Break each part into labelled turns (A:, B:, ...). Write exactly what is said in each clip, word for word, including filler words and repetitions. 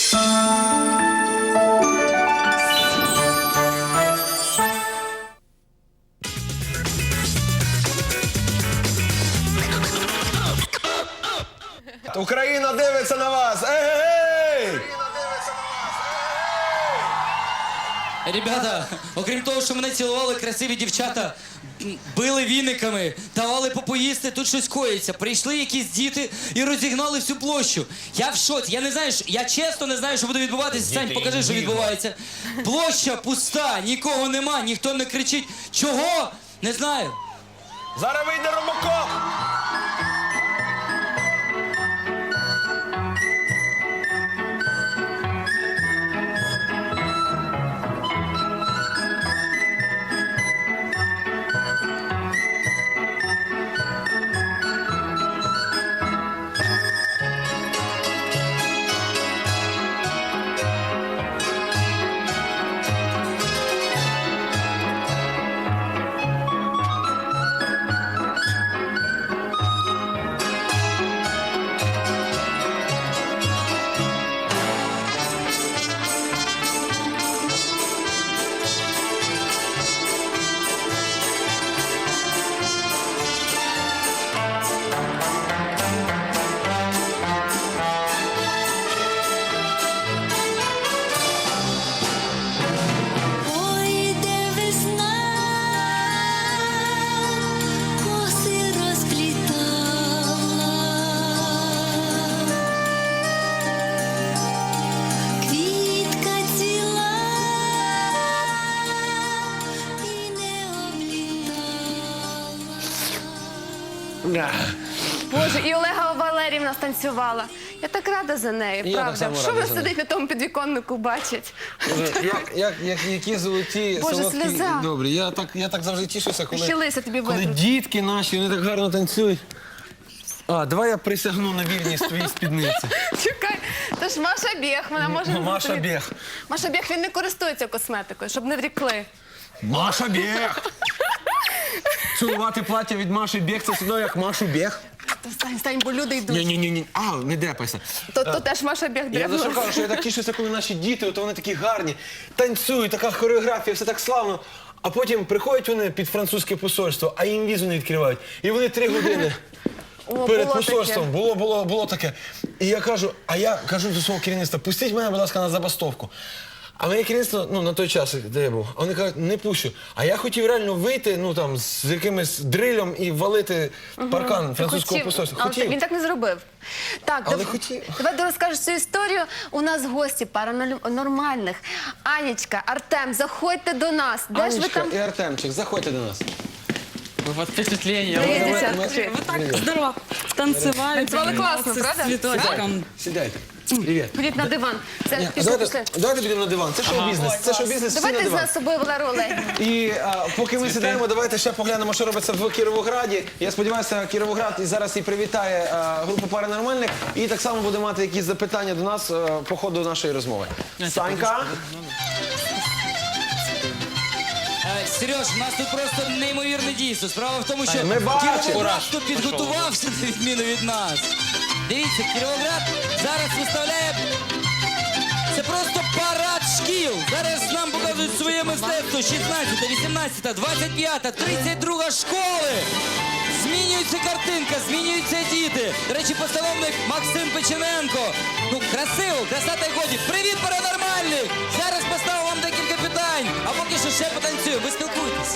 A: Україна дивиться на вас! Ей-ей-ей!
B: Ребята, окрім того, що мене цілували красиві дівчата, били віниками, давали попоїсти, тут щось коїться. Прийшли якісь діти і розігнали всю площу. Я в шоці, я не знаю, що, я чесно не знаю, що буде відбуватися. Сань, покажи, що відбувається. Площа пуста, нікого нема, ніхто не кричить. Чого? Не знаю.
A: Зараз вийде Робокоп!
C: Боже, і Олега Валеріївна станцювала. Я так рада за нею,
A: І я так
C: правда.
A: само
C: Що
A: радий
C: вона
A: за нею.
C: сидить на тому підвіконнику, бачить?
A: Як, як, як, які золоті,
C: Боже,
A: солодкі,
C: сльоза.
A: добрі. Я так, я так завжди тішуся, коли,
C: Ще лися тобі
A: коли
C: витруть.
A: дітки наші, вони так гарно танцюють. А, давай я присягну на вірність твоїй спідниці.
C: Чекай, це ж Маша Бєх, вона може...
A: Маша
C: тобі-
A: Бєх.
C: Маша Бєх, він не користується косметикою, щоб не врікли.
A: Маша Бєх! Цілувати плаття від Маші Бєх, це все одно як Машу Бєх.
C: Та стань, стань, бо люди йдуть.
A: Ні-ні-ні, а, не депайся.
C: То, то теж Маша Бєх
A: Я за що
C: дребнула.
A: кажу, що я так тішуся, коли наші діти, от вони такі гарні, танцюють, така хореографія, все так славно. А потім приходять вони під французьке посольство, а їм візу не відкривають. І вони три години
C: О,
A: перед
C: було
A: посольством.
C: таке.
A: Було, було, було таке. І я кажу, а я кажу до свого керівництва, пустіть мене, будь ласка, на забастовку. А моє керівництво, ну, на той час, де я був, а вони кажуть, не пущу. А я хотів реально вийти, ну, там, з якимось дрилем і валити паркан французького
C: Хотів,
A: посольства.
C: але
A: Хотів.
C: він так не зробив. Так,
A: Але
C: дав-
A: хотів.
C: давай ти розкажеш цю історію. У нас гості паранормальних. Анічка, Артем, заходьте до нас. Де ж ви
A: Анечка
C: там?
A: і Артемчик, заходьте до нас.
D: Вы под впечатлением.
C: Привіт,
A: Давай,
C: дівчатка,
A: ми-
C: привіт.
D: Вы так здорово танцевали.
C: Танцевали классно,
D: с
C: правда?
D: цветочком.
A: Сідайте. Привіт.
C: Ходіть на диван. Це
A: Ні,
C: пішли,
A: давайте,
C: пішли.
A: давайте підемо на диван. Це шоу-бізнес. Це шоу-бізнес, всі на
C: Давайте
A: диван.
C: за собою Валеру Олегівну.
A: І а, поки ми сідаємо, давайте ще поглянемо, що робиться в Кіровограді. Я сподіваюся, Кіровоград і зараз і привітає а, групу паранормальних. І так само буде мати якісь запитання до нас а, по ходу нашої розмови. Санька.
B: Е, Сереж, у нас тут просто неймовірне дійство. Справа в тому, що
A: Ми бачимо.
B: Кіровоград тут підготувався на відміну від нас. Дивіться, Кіровоград зараз виставляє... Це просто парад шкіл. Зараз нам показують своє мистецтво. шістнадцята, вісімнадцята, двадцять п'ята, тридцять друга школи. Змінюється картинка, змінюються діти. До речі, постановник Максим Печененко. Ну, красиво, красота й годі. Привіт, паранормальні! Зараз поставив вам декілька питань, а поки що ще потанцюю. Ви спілкуйтесь.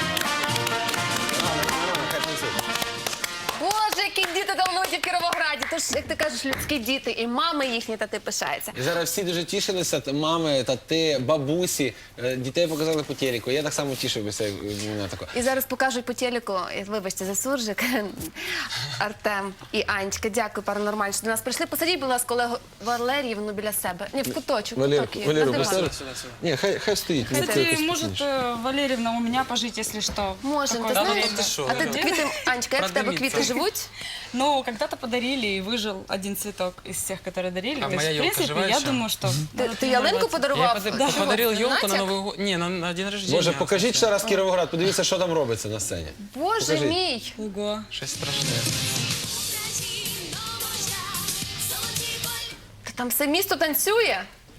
C: Боже, які діти талановиті в Кіровограді. То ж, як ти кажеш, людські діти, і мами їхні та ти пишається.
A: І зараз всі дуже тішилися, т- мами, тати, бабусі, е, дітей показали по телеку. Я так само тішився, як мене тако.
C: І зараз покажуть по телеку, і, вибачте за суржик, Артем і Анечка. Дякую, паранормально, що до нас прийшли. Посадіть, будь ласка, Олегу Валеріївну біля себе. Ні, в куточок, в
A: Валеру,
C: куток її,
A: Валеру,
C: на диван.
A: поставь. Ні, хай, хай стоїть. ну, це
D: Кстати,
A: якось
D: может,
A: спокійніше.
D: э, Валерьевна у меня пожить, если что.
C: Можемо, ти
D: Какое-то
C: знаєш?
D: время.
C: А ти квіти, Анечка, як в тебе
D: Продавиться.
C: квіти живуть?
D: Ну, когда-то подарили, и выжил один цветок из всех, которые дарили.
E: А
D: То есть,
E: моя
D: в
E: елка
D: принципе,
E: жива
D: я
E: еще?
D: думаю, что...
C: Ти,
D: надо
C: ти ялинку
D: тренироваться.
E: Я
C: подарував?
E: пода-
C: Чого?
E: подарил
C: Це
E: елку на
C: натяк?
E: Новый год. Не, на, на день рождения.
A: Боже, покажіть ще раз Кіровоград, подивіться, що там робиться на сцені.
C: Боже
A: Покажіть.
C: мій!
D: Ого.
E: Щось страшне.
C: Та там все місто танцює.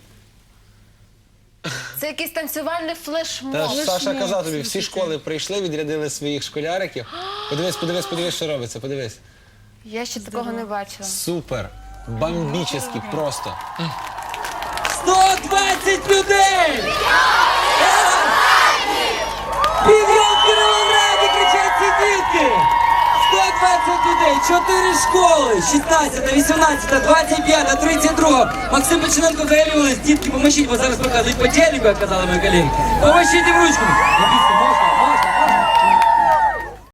C: Це якийсь танцювальний
A: Та
C: флешмоб.
A: ж Саша казав тобі, всі школи прийшли, відрядили своїх школяриків. Подивись, подивись, подивись, що робиться, подивись.
C: Я ще такого не бачила.
A: Супер, бомбічний просто.
B: сто двадцять людей! Підйом в Кіровограді, кричать ці дітки! сто двадцять людей, чотири школи, шістнадцята, вісімнадцята, двадцять п'ята, тридцять друга. Максим Печененко заявились, дітки, поможіть, бо зараз показують по телеку, як казали мої колеги. Поможіть їм ручками.